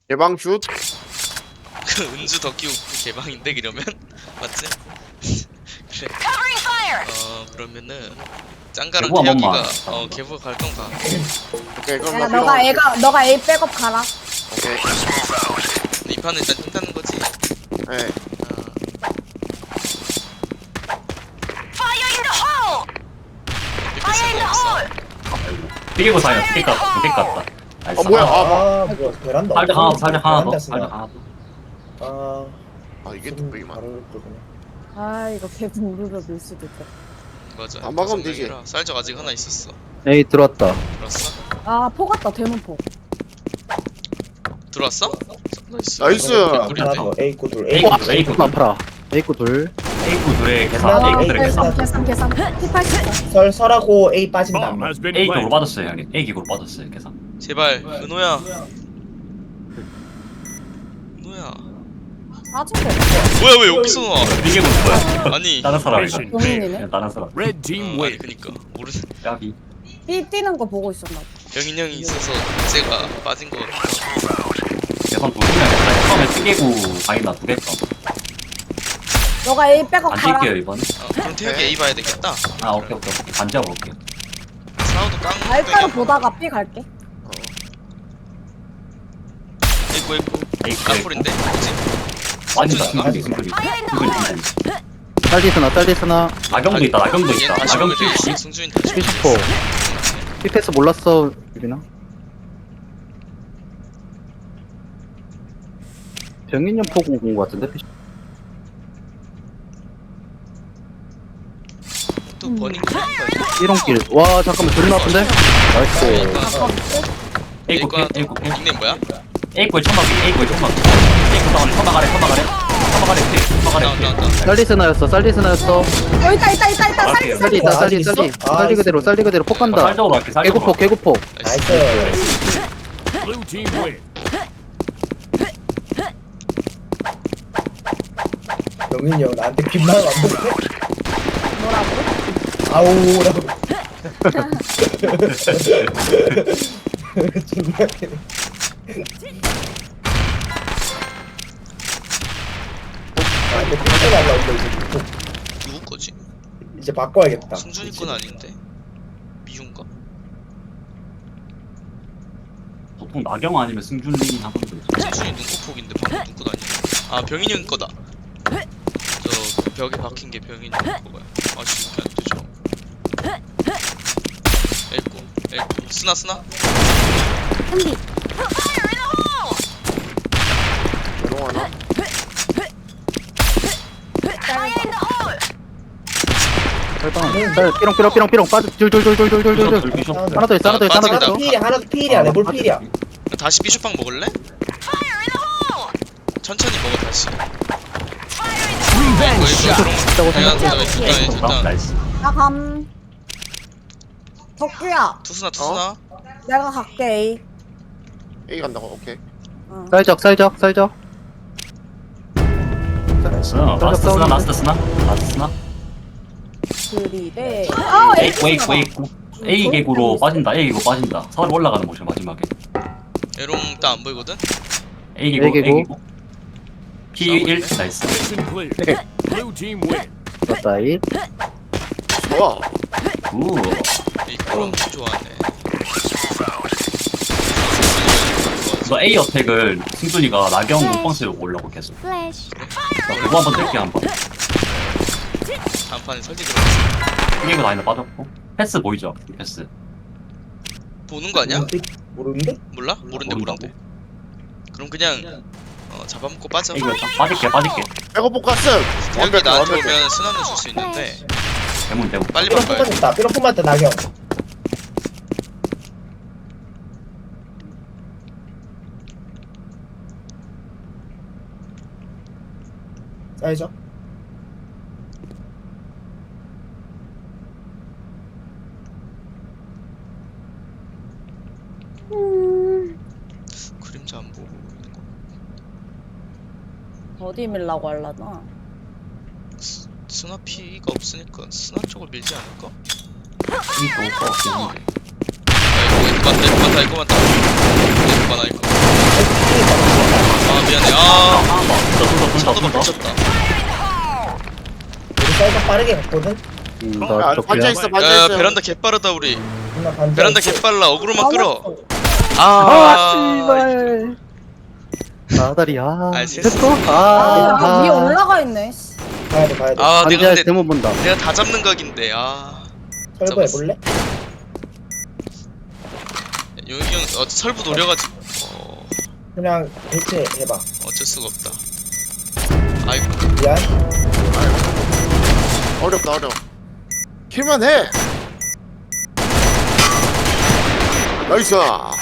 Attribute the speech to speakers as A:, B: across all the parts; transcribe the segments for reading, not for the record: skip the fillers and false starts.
A: 개방슛.
B: 그 은주 더 끼우고 개방인데 그러면 맞지? 그래. 그러면은 짱가랑
C: 개부 한
B: 태혁이가
C: 번만.
B: 개부 갈건 가.
A: 오케이 그럼
D: 야,
A: 나
D: 너가 A 백업 가라.
A: 오케이.
B: 근데 이 판은 일단 뜬다는 거지.
A: 네.
C: 삐개고 사요. 삐개 깠다. 삐개 깠다. 나이스.
A: 뭐야?
E: 뭐야 베란다
C: 살짝 하나 더. 살짝 하나 더.
E: 베란다
C: 살짝
E: 쓰나?
C: 하나 더.
E: 아
A: 이게 뚝배기만.
E: 바로 그거네.
D: 아, 이거 개분 우르르 밀 수도 있다.
B: 맞아.
A: 안 막으면 되지.
B: 쌀적 아직 하나 있었어.
F: 에이 들어왔다.
B: 들어왔어?
D: 아, 포 같다, 대문포.
B: 들어왔어? 나이스.
A: 나이스.
E: 하나
B: 우리인데?
E: 더 A 코둘
C: A
E: A
C: 코
E: 코둘
C: A 코
F: 아파라. 에이코 둘.
C: A 코 둘의 계산.
E: 하나,
C: A 코 둘의 계산.
D: 계산. P80.
E: 설하고 A 빠진다.
C: A 기구로 빠졌어요 형님. A 기구로 빠졌어요 계산.
B: 제발 은호야. 은호야.
D: 빠진 거
B: 뭐야 왜 여기서 나와?
C: 삐개고 뭐야?
B: 아니.
C: 다른 사람이다.
D: 용인이네.
C: 그냥 다른 사람.
G: Red team
B: 아니
G: win.
B: 그니까 모르는.
C: 까비.
D: B 뛰는 거 보고 있었나 봐.
B: 병인 형이 있어서 제가 빠진 거.
C: 계산 또 그냥 처음에 삐개고 바이나 두 개다.
D: 너가 A 백업
C: 안
D: 가라.
C: 뛸게요 이번에.
B: 그럼 태혁이 A 봐야 되겠다.
C: 아 오케이. 반지하 볼게요.
B: 사우도 깡.
D: 알가로 보다가 B 갈게.
B: 있고
C: A 코.
B: 깡풀인데 뭐지?
C: 빠진다.
B: 승준인가?
C: 승준이.
F: 쌀디스나.
C: 나경도 있다. 나경도
B: 얘
C: 있다.
B: 다시
C: 나경
B: 오면
C: 피.
B: 승준이 다시.
F: 피시포. 피패스 몰랐어 유빈아. 병인년 포고 온 거 같은데 피시.
B: 또 버닝 거.
F: 삐롱길. 와 잠깐만 존나 아픈데. 나이스.
C: A 코. A 코.
B: 닉네임 뭐야?
C: A 코에 천막이. A 코에 천막. A 코 다운에 천막 아래. 천막 아래. 천막 아래. 천막 아래.
B: 나온다.
F: 쌀디스나였어. 쌀디스나였어.
D: 있다. 쌀.
F: 쌀디다
E: 아직 있어?
F: 쌀디 그대로 쌀디 그대로 폭 간다.
C: 쌀적으로 할게. 쌀적으로.
F: 개구폭.
B: 나이스.
E: 나이스.
G: Blue team win.
E: 영민이 형 나한테 귓말 왔는데
D: 뭐라고?
E: 아우라고. 존나 웃기네. 근데 핑크 날라온다 이제.
B: 누구 거지?
E: 이제 바꿔야겠다.
B: 승준이 건 아닌데. 미준가?
C: 보통 나경 아니면 승준이 하던데.
B: 승준이 눈코폭인데 방금 눈꽃 아니야? 아 병인이 형 거다. 저 벽에 박힌 게 병인이 형 거야. 아씨 이렇게 안 되죠. 에이코. 스나.
D: 한디.
A: 조용하나?
F: 쌀 삐롱 빠져. 줄줄줄줄줄줄줄.
C: 비숍.
F: 하나 더 있어. 하나 더 있어. 하나 더
E: 하나
F: 있어.
E: 필이야 하나 필이야 레볼 필이야.
B: 다시 비숍빵 먹을래? 천천히 먹어 다시.
G: Revenge shot.
B: 일단
C: 나이스.
D: 나 감. 덕규야,
B: 투수나.
D: 내가 갈게 A.
A: A 간다고. 오케이.
F: 쌀적.
C: 라스트 스나.
D: 그리래.
C: A 개구로 빠진다. A 개구 빠진다. 서울 올라가는 모션 마지막에.
B: 에롱 딱안 보이거든?
C: A 개구.
F: A 개구.
C: P1 나이스.
G: Mission clear. Blue team win.
F: 맞다이.
A: 좋아.
C: 우.
B: 이 그런 엄청 좋아하네.
C: 너 A 어택을 승준이가 나경 몸빵 쓰려고 올라고 계속. 나 그거 한번 뗄게 한번.
B: 다음 판에 설계 들어갔어.
C: 이거 라인에 빠졌고. 패스 보이죠? 패스.
B: 보는 거 아니야?
E: 모르는데?
B: 몰라? 모른대. 그럼 그냥 잡아먹고 빠져.
C: 이거 빠질게.
A: 백업복 갔음.
B: 태혁이 나한테 오면 스나는 줄 수 있는데
C: 대문.
B: 빨리
E: 삐롱
B: 바꿔야 돼.
E: 뽑았다. 삐롱 뽑았다 나경. 알죠?
B: 그림자 안 보고 있는 거.
D: 어디 밀라고 할라나?
B: 스나 피가 없으니까 스나 쪽을 밀지 않을까?
C: 이거 올것 같긴 한데.
B: 야 이거 많다. 이거 많아.
E: 삐
B: 차도가
C: 둘 다.
B: 미쳤다.
E: 우리 사이즈 빠르게 갔거든.
F: 나
A: 야,
F: 적배야.
A: 반짝있어
B: 야
A: 반짝있어.
B: 베란다 개빠르다 우리.
E: 누나 반지.
B: 베란다 개빨라. 어그로만 끌어.
F: 아,
B: 아
F: 씨발. 나다리, 아.
B: 아이, 됐어.
F: 됐어?
D: 아, 위에 올라가 있네. 씨.
E: 가야 돼 가야 돼.
B: 아 내가
F: 반지하에
B: 근데
F: 대문 본다.
B: 내가 다 잡는 각인데 아
E: 설부 해볼래?
B: 용이 형 설부 노려가지고
E: 그냥 대체 해봐.
B: 어쩔 수가 없다. 아이고
E: 미안.
A: 어렵다 어려워. 킬만 해. 나이스.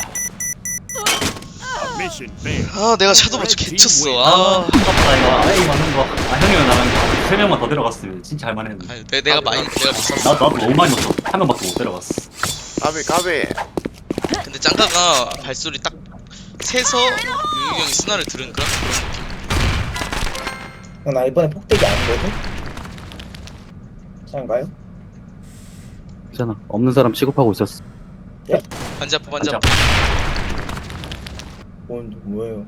G: Mission failed.
B: 아 내가 차도 먼저 개쳤어.
C: 아,
B: 아
C: 아깝다 이거. 에이 맞는 거. 아 형이랑 나랑 3명만 더 들어갔으면 진짜 할만했는데.
B: 아니, 내가 많이 내가 못 샀어.
C: 나도 너무 많이 넣었어. 한 명밖에 못 들어갔어.
A: 가비 가비.
B: 근데 짱가가 발소리 딱 세서 용이 형이 스나를 들은 그런 느낌.
E: 나 이번에 폭대기 아니거든. 장가요?
F: 괜찮아. 없는 사람 취급하고 있었어.
B: 반지 아파 반지
C: 반지
B: 아파.
E: 뭐예요?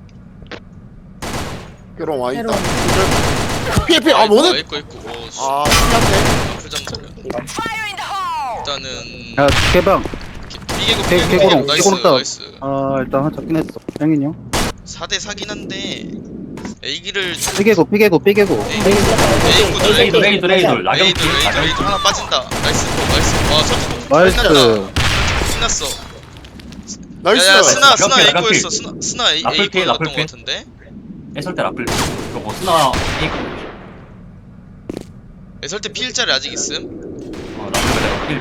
A: 괴로워 와 있다.
D: 괴로워.
A: 피해 피해. 아 뭐네?
B: 있고 있고.
A: 아 신기한데.
B: 풀장자면
E: 이거
B: 일단은
F: 야, 개방.
B: 비계고
F: 개고롱,
B: 나이스
F: 개고롱 다운.
B: 나이스.
F: 아, 일단 한 잡긴 했어. 형인 형.
B: 4대 4긴 한데 A기를
F: 삐개고, 삐개고, 삐개고.
B: A구들
C: 레이돌 레이돌 레이돌. 라경
B: A들 A들 하나 빠진다. 나이스 나이스. 와 저기
F: 나이스.
B: 신났어.
A: 나이스.
B: 야야 스나
C: 라플,
B: A
C: 라플.
B: 거였어. 스나 A
C: 라플 피해,
B: 거였던
C: 라플
B: 거
C: 피해.
B: 같은데.
C: 애설 때 라플. 그리고 스나 에이.
B: 애설 때 P1짜리 아직 있음.
C: 라플 그대로 필.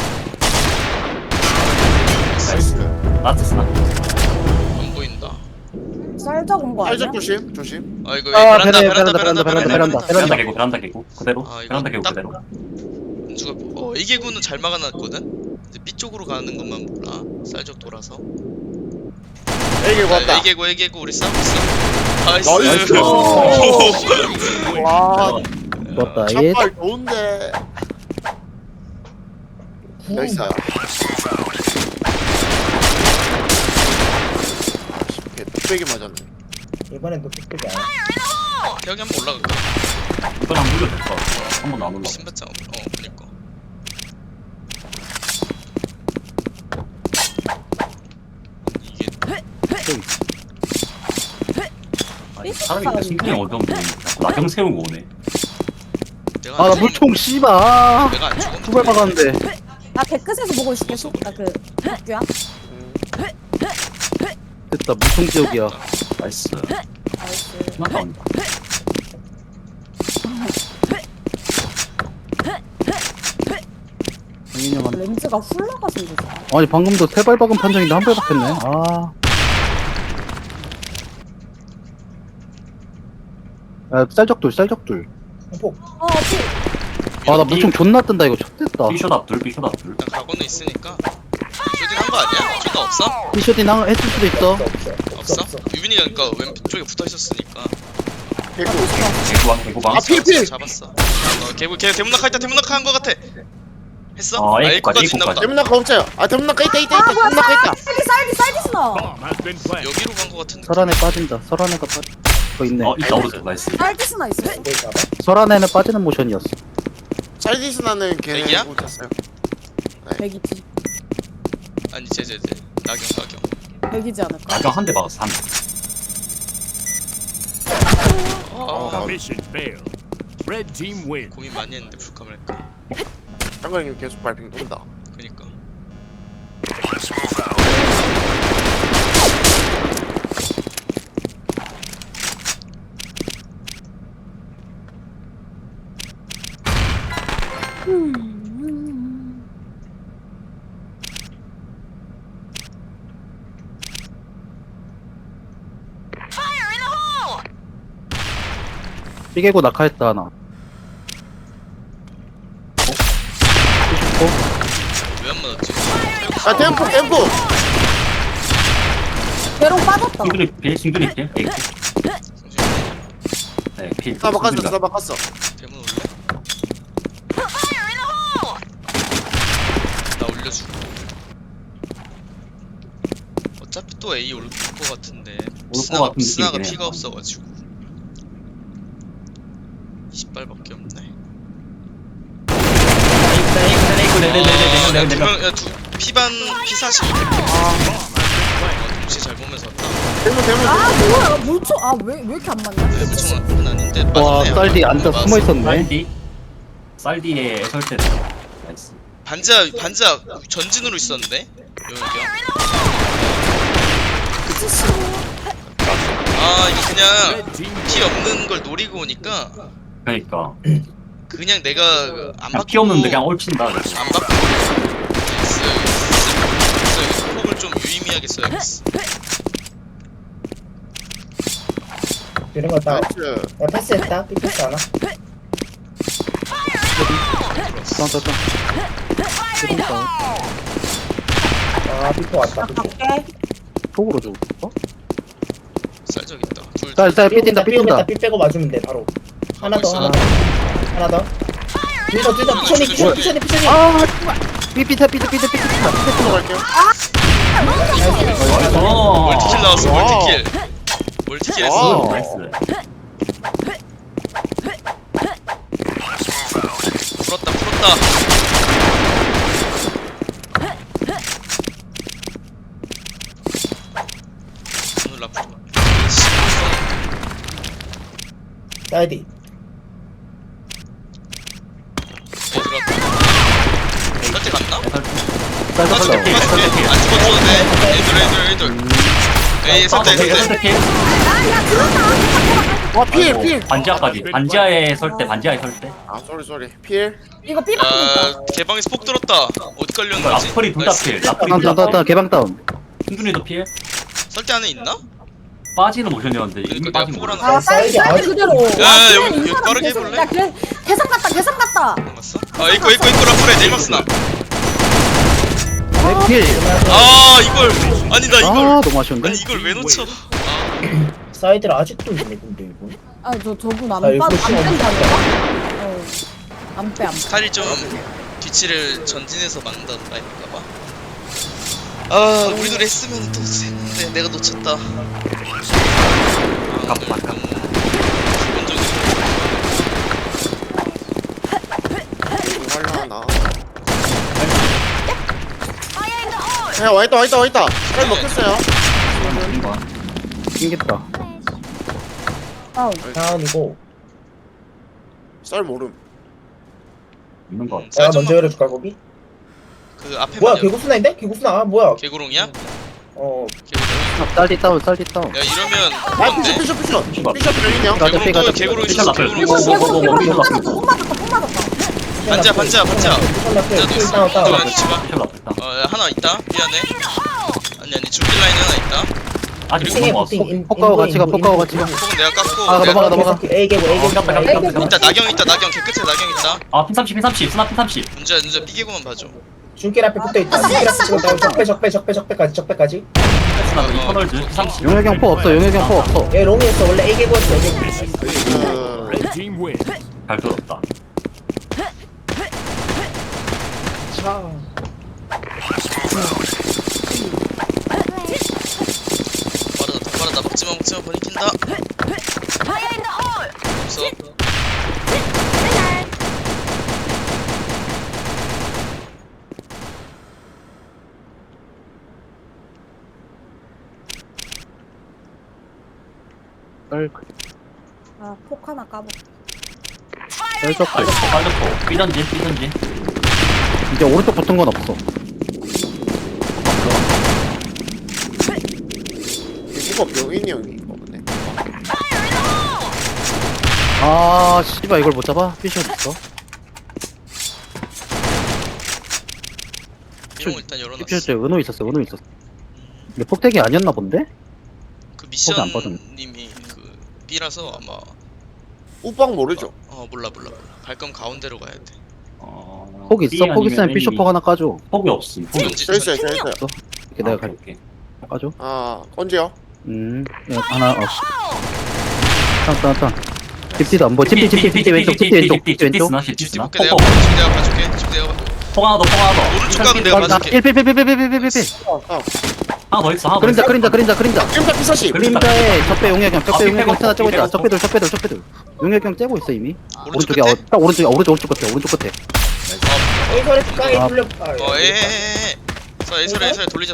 A: 나이스.
C: 라스트 스나.
B: 안 보인다.
D: 쌀적 온거 아니야?
A: 살짝 조심 조심.
B: 아 이거
F: 아,
B: 베란다
F: 베란다,
B: 베란다 베란다
F: 베란다,
C: 베란다 개고 베란다 개고 그대로.
B: 아, 이거
C: 베란다 개고
B: 딱-
C: 그대로.
B: 누가 A 개구는 잘 막아놨거든. 이제 B 쪽으로 가는 것만 몰라. 쌀적 돌아서.
A: 에이 왔다.
B: A 개구 우리 싸우고 있어. 나이스.
A: 나이스. 와
F: 좋았다. 예.
A: 참발 좋은데. 나이스. 뚝배기 맞았네.
E: 이번엔 또 폭대기 아니야.
B: 태혁이 한번 올라갈까?
C: 이건 안 물려도 될것 같아. 한번 안 올라.
B: 신발장 그니까. 이게
C: 아니, 사람이 신경이 어느 정도 나경 세우고 오네.
B: 내가
F: 아,
B: 안
F: 나
B: 죽으면-
F: 물총 씨발.
B: 내가 안 죽으면
F: 두발 박았는데.
D: 나 개끝에서 보고 있을게. 나그 학교야.
F: 됐다. 물총 지역이야.
C: 나이스.
D: 나이스.
C: 스나 다운다.
F: 형인 형한테.
D: 렌즈가 훌러가서 이러지.
F: 아니, 방금도 세 발 박은 판정인데 한 발 박혔네. 아. 야, 쌀적돌, 쌀적돌.
E: 폭.
D: 어, 피.
F: 아, 나 물총 존나 뜬다, 이거. 쳤댔다.
C: 비숏 앞둘 비숏 앞둘.
B: 일단 각오는 있으니까. 쇼딩 한거 아니야? 쇼딩 없어?
F: 피쇼딘 했을 수도 있어.
B: 없어? 유빈이가 그니까 왼쪽에 붙어 있었으니까.
A: 개구.
C: 개구방 개구방.
A: 아, 필!
B: 잡았어. 걔 대문낙 대문낙 한거 같아. 했어?
C: 어, A까지,
B: A까지 있나 보다.
C: A까지.
A: 대문낙 없어요. 아 대문낙 있다 있다
D: 아,
A: 있다.
D: 뭐야,
A: 대문낙 있다.
D: 쌀디 스나.
G: Bomb has been planted.
B: 여기로 간 거 같은데.
F: 설안에 빠진다. 설안에가 빠져. 거 있네.
C: 있다 오른쪽 나이스.
D: 쌀디 스나 있어.
E: 이걸 잡아.
F: 설안에는 빠지는 모션이었어.
A: 쌀디스나는 걔네
B: 애기야?
A: 못했어요.
D: 백이지.
B: 아니 제 나경.
D: 백이지 않을까?
C: 나경 한 대 박았어 한 대.
B: 아,
G: Mission failed. Red team win.
B: 고민 많이 했는데 불감을 할까.
A: 장관님 계속 발핑 돈다.
B: 그니까.
F: 삐개고 낙하했다, 하나.
B: 왜 안 맞았지?
A: 아 템포 템포.
D: 괴롱 빠졌다.
C: 싱글이 필 싱글이 필. 에이, 네 필.
A: 나 바꿨어 나 바꿨어.
B: 대문 올래? 나 올려주고. 어차피 또 A 올 거 같은데.
C: 것 같은
B: 스나가
C: 느낌이긴 해.
B: 피가 없어가지고. 20발밖에 없네.
C: 네네네네네네.
B: 야, 피반 P40. 동시에 잘 보면서 왔다.
A: 대문
D: 아 뭐야 물총 아왜 이렇게 안 맞냐?
B: 네, 무총은 아닌데.
F: 와
B: 맞았네.
F: 쌀디 앉아
B: 맞았어.
F: 숨어있었네.
C: 쌀디 쌀디에 설대. 나이스.
B: 반자 전진으로 있었는데. 여기야. 아 이거 그냥
G: Red team
B: 피 없는 걸 노리고 오니까
C: 그러니까
B: 그냥 내가 안
C: 그냥
B: 바꾸고
C: 피 없는데 그냥 올친다.
B: 안 바꾸고 그래서 폭을 좀 유의미하게 써야겠어.
E: 이런 거 다.
A: 나이스.
E: 야 패스했다. 삐 패스 하나.
F: 짠짠짠.
E: 아 삐포 왔다. 삐포.
D: 갈게.
F: 속으로 줘.
B: 쌀적 있다. 둘
F: 쌀쌀 삐뛴다 삐뛴다.
E: 삐 빼고 맞으면 돼 바로. 하나 더
B: 있어.
E: 하나 더. 하나 더. 둘더 피션이.
F: 아 삐삐타 삐삐타 삐삐타.
A: 들어갈게요.
B: 멀티킬 나왔어. 멀티킬. 멀티킬 했어.
A: 와.
C: 나이스.
B: 풀었다. 오늘 라프.
E: 사이디.
B: 들어왔다. 설때 갔나?
F: 쌀쌀
B: 빠질게.
F: 쌀.
B: 안 죽어줘도 돼. 애들. 에이 설때.
A: 와 필.
C: 반지하까지. 반지하에 설대. 반지하에 설대.
A: 아 쏘리. 필.
D: 이거 삐 바꾸고 있다.
B: 개방에서 폭 들었다. 어디 깔렸는 거지?
C: 라플이 둘다 필. 라플이
F: 다운
C: 둘다
F: 다운 다운 개방 다운.
C: 승준이도 필.
B: 설때 안에 있나?
C: 빠지는 모션이었는데 이미
B: 그러니까
C: 빠진
B: 내가
C: 거야.
B: 포그라는
D: 아 사이즈 그대로.
B: 야, 여기 빠르게 해볼래?
D: 야 계산 갔다.
B: 맞어? 아 이거 라플에 네이막스나.
F: 필.
B: 아 이걸 아니 나
F: 아
B: 이걸
F: 너무 아쉬운데.
B: 아니 이걸 왜 놓쳐?
E: 사이드를 아직도 있네 근데 이거.
D: 아저 저분 안
E: 아, 이거
D: 뺀다
E: 시험
D: 아닌가? 안 빼.
B: 스타일이 좀 뒤치를 전진해서 막는다던가 할까봐. 아 우리도 했으면 또 했는데 내가 놓쳤다. 아, 오늘 너무 기본적으로
A: 하려나. 야 와있다. 쌀 먹혔어요.
F: 낑겼다.
D: 다운.
E: 다운이고.
A: 쌀 모름.
C: 있는 거.
E: 내가 먼저 열어줄까 거기?
B: 그 앞에
E: 뭐야 개구스나인데? 개구스나 아 뭐야?
B: 개구롱이야?
E: 어
B: 개구롱.
F: 쌀디 다운 쌀디 다운.
B: 야 이러면
A: 아
B: 뭔데?
A: 피셔 병이네요.
F: 가자,
B: 개구롱
F: 가자.
B: 또 개구롱
C: 피셜
B: 있었어.
C: 라플.
B: 개구롱 있었어.
D: 폭 맞았다.
B: 반지야. 반자도 있어.
E: 다운 다운.
B: 너 지마.
C: 피셜 라플 다.
B: 야, 하나 있다. 미안해. 아니 중길 라인 하나 있다.
C: 아직
B: 그리고
C: 못 먹었어.
F: 폭가고 같이 가. 폭가고 같이 가.
B: 폭은 내가 깎고.
F: 아,
B: 내가
F: 넘어가.
E: A 개구 A 개구.
B: 있다. 나경 있다. 나경 개끝에 나경 있다.
C: 아 P30 스나 P30.
B: 문제야 삐개고만 봐줘.
E: 중길 앞에 붙어 있다. 중길 앞에 지금 다운 적배까지.
C: 스나 이터널즈 P30.
F: 용혁이 형 포 없어. 용혁이 형 포 없어.
E: 얘 롱이었어 원래 A 개구였어. A 개구.
G: Red team win.
C: 잘 들었다.
B: 빠르다. 먹지마 버리킨다. 없어.
D: 폭 하나 까보.
F: 쌀적.
C: 빠졌고. 삐던지.
F: 이제 오른쪽 붙은 건 없어.
A: 이거 병인이 형이 이거 보네.
F: 아 씨발 이걸 못 잡아? 피셔 있어.
B: 이런 거 일단 열어놨어.
F: 피셔 때 은호 있었어. 근데 폭택이 아니었나 본데?
B: 그
F: 거기 안 빠졌네.
B: 미션님이 그 B라서 아마
A: 우빵 모르죠.
B: 몰라. 갈 거면 가운데로 가야 돼.
F: 폭 있어? 폭 있으면 피셔 폭 하나 까줘.
C: 폭이 없음. 폭이 없음.
A: 저 있어요.
F: 이렇게 내가 갈게.
C: 오케이.
F: 까줘.
A: 아 언제요?
F: 야, 하나 땅. 딥디도 안 보여. 딥디 왼쪽. 딥디 왼쪽.
B: 집디 볼게. 내가 봐줄게. 집 내가 봐.
C: 폭 하나 더.
B: 오른쪽 가면 내가 봐줄게.
F: 1필.
A: 아,
C: 하나 더 있어. 하나 더
F: 그림자
C: 있어.
F: 그림자
A: 그림자 피사시.
F: 그림자에 적배 용약형 적배
C: 아,
F: 용약형 하나 째고 있다
C: 빼고.
F: 적배들 용약형 째고 있어 이미
B: 오른쪽
F: 오른쪽에
B: 끝에?
F: 딱 오른쪽 끝에
E: A 설에 깡이
F: 아.
E: 돌려.
B: 에에에에 자 예설에 돌리자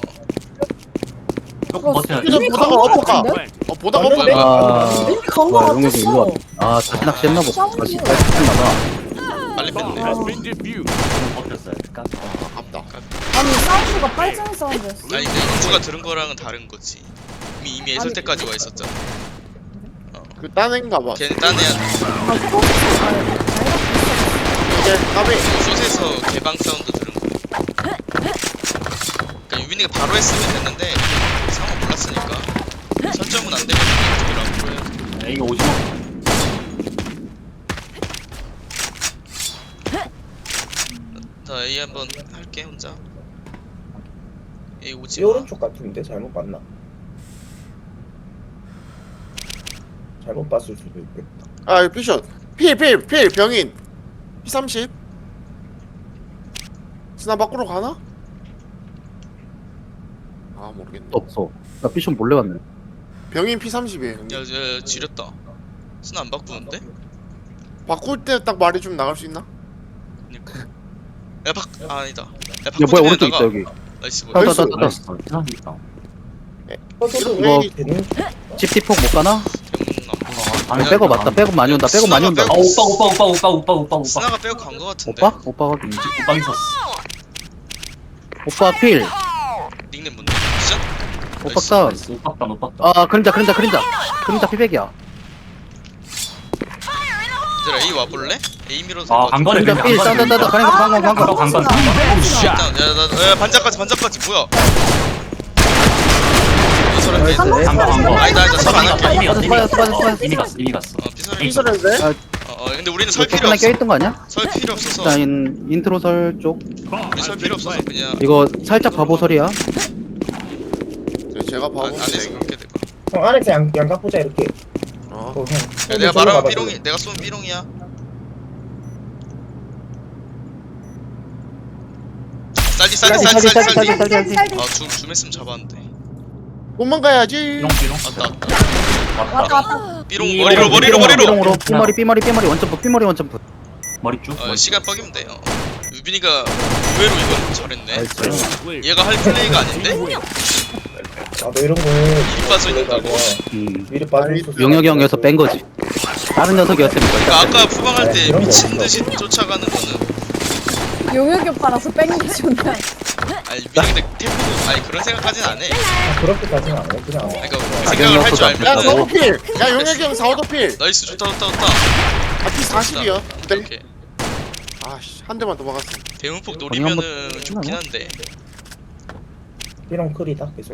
C: 조금 버텨야 돼.
A: 피자
D: 이미
A: 보다가
D: 간거
A: 어떡하.
D: 같은데?
A: 보다가
E: 왔는데?
A: 어떡하.
F: 아
D: 이미 간거
F: 용약형 일로
D: 같았어.
F: 와 다시 낚시했나 보다 다시 했나봐
B: 빨리 뺐네
G: Has been defused.
C: 버텼어야 돼.
A: 아깝다.
D: 아니 사운드가 빨간 사운드였어.
B: 아니 근데 영주가 들은 거랑은 다른 거지 이미 예설
D: 아니.
B: 때까지 와 있었잖아
A: 그 딴애인가 봐.
B: 걔는 딴 애야
D: 아 소스
A: 이제 까비.
B: 숏에서 개방 사운드 들은 거 그러니까 유빈이가 바로 했으면 됐는데 상황 몰랐으니까 설정은 안 되면 어떻게 앞으로 해야 돼
C: 이거 50원.
B: 자 A 한번 할게 혼자 A 오지
E: 이 오른쪽 같은데 잘못 봤나? 잘못 봤을 수도 있겠다.
A: 아 피션. 필 병인. P30. 스나 밖으로 가나? 아 모르겠네.
F: 없어 나 피션 몰래 왔네
A: 병인 P30이에요.
B: 야 지렸다 스나 안 바꾸는데?
A: 바꿀 때 딱 말이 좀 나갈 수 있나?
B: 그니까 아니다 야
F: 야 뭐야 오른쪽 있다
B: 바꾸면
F: 여기
B: 나이스
F: 아,
B: 뭐야
A: 나이스.
C: 나이스. 피상 있다.
F: 이거-
E: 되는
F: 집티폭 못 가나?
B: 병은 안
F: 아니 백업 맞다 백업 많이 온다 백업 많이 온다
C: 아 오빠.
B: 스나가 빼고 간 거 같은데
F: 오빠? 오빠가
C: 오빠 있었어.
F: 오빠 필
B: 닉네임 뭔데? 미션?
F: 오빠 다운
C: 나이스. 오빠.
F: 아 그림자 피백이야
B: 얘들아 A 와볼래? A 밀어서
C: 아 강건에
F: 그림자 필 딴딴딴딴 강강
C: 강건.
B: 야 반짝까지 뭐야 이설한 게
C: 강건 강건.
B: 아니다 설안 할게
C: 이미 갔어.
F: 빠졌어.
C: 이미 갔어.
B: 피설한
A: 피설인데?
B: 근데 우리는 설 필요
F: 하나
B: 없어
F: 껴있던 거 아니야?
B: 설 필요 없어서
F: 일단 인트로 설쪽
B: 우리 설 필요 없어서 그냥
F: 이거 살짝 바보 설이야
A: 제가
B: 안에서
A: 봐보면
B: 그렇게 돼
E: 형 안에서 양각 보자 이렇게.
A: 어.
E: 형.
B: 야, 내가 말하면 삐롱이 내가 쏘면 삐롱이야 쌀디 줌 했으면 잡았는데
A: 도망가야지.
C: 삐롱.
B: 왔다
D: 왔다 왔다.
B: 삐롱 머리로
F: 삐롱으로 삐머리 원점프
C: 머리 쭉.
B: 시간 뻑이면 돼요 유빈이가 의외로 이건 잘했네
G: Clear.
B: 얘가 할 플레이가 아닌데?
E: 나도 이런 거
B: 미리 빠져 있는다고
E: 미리 빠져 있었어.
F: 용혁이 형에서 뺀 거지 다른 녀석이었으면
B: 그러니까 아까 푸방할 때
E: 그런 거
B: 미친
E: 없어.
B: 듯이 쫓아가는 거는
D: 용역이 오빠라서 뺑기 존나.
B: 아니 유빈이 근데 태포도 아니 그런 생각까지는 안해
E: 그렇게까지는 안 해. 그냥.
B: 그러니까 그 생각을 할 줄
A: 야
B: 알면
A: 서도 필. 야 용혁이 형 4호도 필.
B: 나이스 좋다
A: 아 P40이야.
B: 오케이
A: 아씨 한 대만 더 막았어.
B: 대문폭 노리면은 좋긴 한데
E: 삐롱 클이다 계속.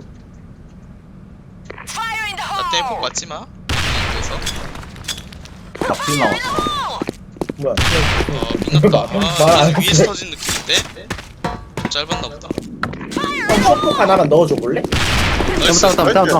B: 나 대문폭 맞지마 그래서
C: 나필 나왔어.
E: 뭐야?
B: 빛났다
E: 말안
B: 위에서
E: 했어.
B: 터진 느낌인데? 좀 짧았나 보다
E: 형 셔폭 하나만 넣어줘 볼래?
B: 나이스
F: 따고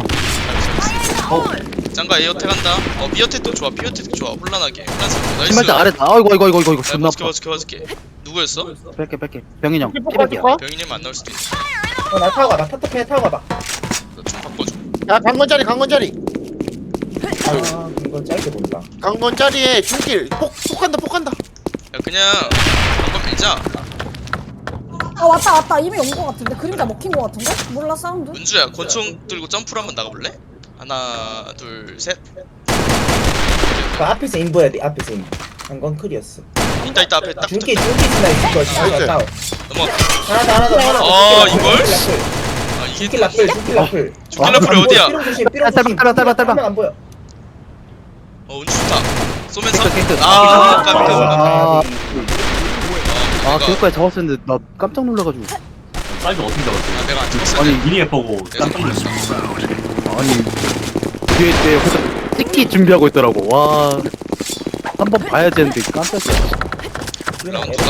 B: 짱가 에어텍 한다 미어텍도 좋아 피어텍도 좋아 혼란하게 혼란스럽게 나이스
F: 신발장 아래 아이고 존나 아파
B: 봐줄게 누구였어?
F: 뺄게 병인 형
A: 피폭
F: 피백이야
A: 빠질까?
B: 병인님 안 나올 수도 있어
E: 나 타고 가봐. 타타페 타고 가봐.
B: 나좀 바꿔줘
A: 야 강건자리.
E: 아 이거 짧게 본다.
A: 강건자리에 중길 폭한다.
B: 야 그냥 한번 밀자
D: 아 왔다 이미 온 거 같은데 그림자 먹힌 거 같은데? 몰라 사운드?
B: 은주야 권총 들고 점프를 한번 나가볼래? 하나 둘셋
E: 그 앞에서 인보해야 돼. 앞에서 인보. 한건 클이었어.
B: 있다 앞에 딱
E: 중기
B: 붙었다
E: 스나 있을 거야.
A: 나이스.
E: 다운.
B: 넘어가
E: 하나 더.
B: 아, 이걸? 아
E: 중기
B: 이게
E: 라플. 중기 라플.
B: 중길 라플이 어디야?
E: 삐롱 조심. 삐롱 조심.
F: 짧아.
E: 화면 안 보여.
B: 은주 좋다 쏘면서
F: 깨끗.
B: 아
F: 아,
B: 깜깜
F: 그거까지 잡았었는데 나 깜짝 놀라가지고
C: 사이즈 어떻게 잡았어?
B: 내가 안 찍었어
F: 아니,
C: 미니에 보고
B: 내가
C: 깜짝 놀랐어.
F: 아니 뒤에 때 혼자 찍기 준비하고 있더라고 와 한번 봐야지 했는데 깜짝이야
B: 라운드가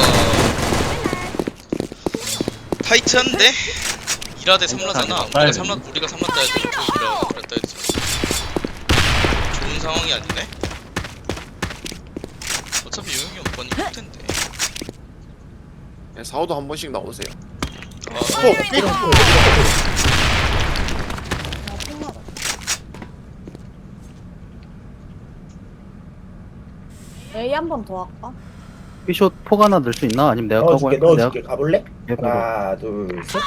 B: 타이트한데 2라 대 3라잖아 우리가 3라 따야 돼 2라 그랬다 했지 좋은 상황이 아니네 어차피 요영이 오빠는 이쁠 텐데
A: 4호도 한 번씩 나오세요.
B: 아,
A: 폭.
E: 삐롱.
D: A 한 번 더 할까?
F: 피숏 폭 하나 넣을 수 있나? 아니면 내가 까고
E: 넣어줄게
F: 할까? 내가
E: 넣어줄게. 가볼래?
F: 해봐.
E: 하나 둘 셋.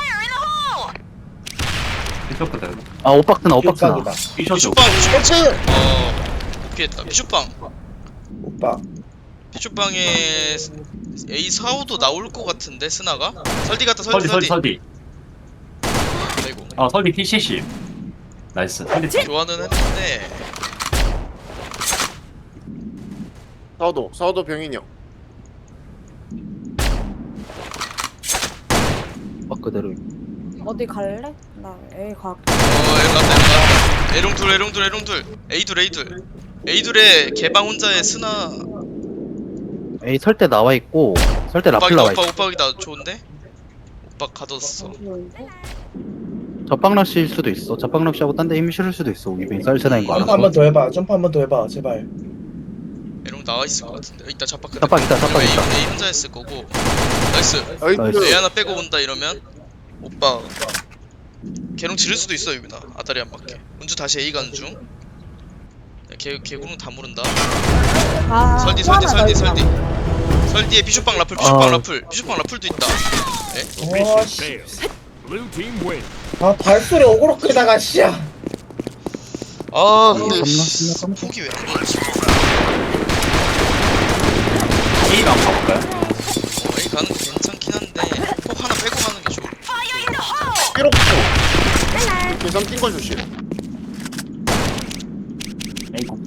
C: 피셔 그대로.
F: 아 오박스나 오박스나.
E: 격각이다.
C: 피셔
B: 비숍방
E: 셔츠.
B: 피했다. 비숍방
E: 오빠.
B: 비숍방에 A 4, 5도 나올 것 같은데 스나가? 설디 같다
C: 설디.
B: 아이고
C: 설디 P70. 나이스. 설디
B: 교환은 했는데
A: 사우도 병인이 형.
F: 오박 그대로.
D: 어디 갈래? 나 A 가.
B: 애갔다. 에롱둘 A둘의 개방 혼자의 스나
F: A 설때 나와 있고 설때 라플 나와 있어.
B: 오빡이다 좋은데? 오빡 가뒀어.
F: 접방락시일 수도 있어. 접방락시하고 딴 데 힘이 실을 수도 있어. 이빙 쌀스나인 거
E: 점프
F: 알아.
E: 한 번 더 해봐. 점프 한 번 더 해봐. 제발.
B: 에롱 나와있을 것 같은데 이따 잡박
F: 잡박 있다, 잡박 있다.
B: A 혼자 했을 거고 나이스
F: 나이스.
B: A 하나 빼고 온다 이러면 오빠 개롱 지를 수도 있어 유빈아 아다리 안 맞게 운주 다시 A 가는 중 개구름 다 모른다
D: 아,
B: 설디
D: 또 하나 더 있다.
B: 설디에 비숍방 라플도 있다
E: 어씨.
G: Failed. Blue team win.
E: 아 발소리 어그로 끄다가 씨야.
B: 아
F: 음,
B: 근데
F: 겁나.
B: 폭이 왜 안 맞지?
C: A가 한번 가볼까요?
B: A 가는 거 괜찮긴 한데 폭 하나 빼고 가는 게 좋을
A: 삐록도. 계산 뛴거 조심.
C: A 고.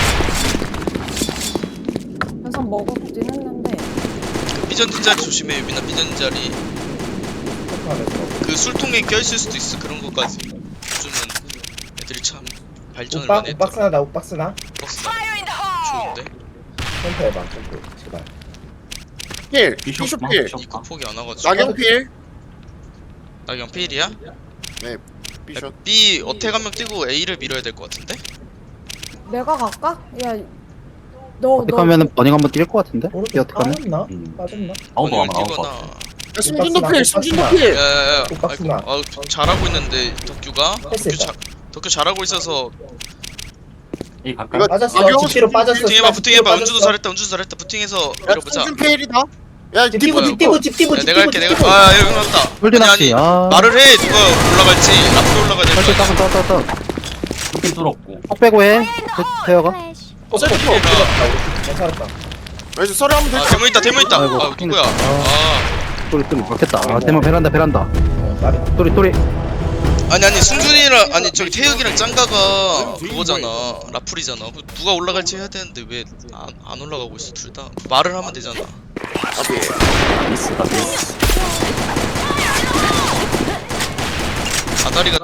D: 현상 먹었긴 했는데.
B: 삐전 뒷자리 조심해 유빈아 삐전 뒷자리
E: 점프하면서.
B: 그 술통에 껴있을 수도 있어 그런 것까지 요즘은 애들이 참 발전을
E: 오빠
B: 많이 했더라
E: 오박스나 나 오박스나.
B: 박스나 좋은데?
E: 점프 해봐. 점프. 제발.
A: 필.
C: 피셔
A: 피쇼 필.
B: 이거 폭이 안 와가지고
A: 나경 필.
B: 나경 페일이야?
A: 네. 피쇼.
B: B 어택 한 명 뛰고 A를 밀어야 될 것 같은데?
D: 내가 갈까? 야, 너
F: 어떻게 하면은 버닝 한번 뛸 것 같은데? 이
E: 오른쪽
F: 어떻게 하면?
E: 빠졌나?
C: 음.
E: 빠졌나?
C: 아웃도 아마 나올 것
B: 뛰거나
C: 같아.
A: 야, 승준도 필. 승준도 필.
B: 야야야
E: 박스나.
B: 아이고 잘하고 있는데 덕규가
E: 패스했다.
B: 덕규 잘하고 있어서
C: A 갈까요?
A: 이거
E: 빠졌어.
A: 나경
E: 집뒤로 빠졌어.
B: 부팅해봐
E: 집뒤로
B: 운주도
E: 빠졌어.
B: 잘했다 부팅해서
A: 야,
B: 밀어보자
A: 승준 필이다. 야,
E: 집
A: 디브
E: 띠부 집 띠부
B: 야,
E: 집
B: 내가
E: 띠부
B: 할게
E: 집 띠부.
B: 아 여기 맞다
F: 홀드 낚시. 아.
B: 말을 해 누가 올라갈지 앞으로 올라가야
F: 설때
B: 될거
F: 따고 따고.
C: 두팀 뚫었고.
F: 폭 빼고 해. 태어가.
A: 셀프.
E: 괜찮았다.
A: 여기서 서류 한번
B: 아
A: 대자.
B: 데모 있다
F: 아이고,
B: 아 누구야 아
F: 또리 막혔다. 아 대만 베란다.
E: 어, 빠르다.
F: 또리.
B: 아니 승준이랑 아니 저기 태혁이랑 짱가가 그거잖아 라풀이잖아 누가 올라갈지 해야 되는데 왜 안 올라가고 있어 둘 다 말을 하면 되잖아
C: 미스다 미스.
B: 아다리가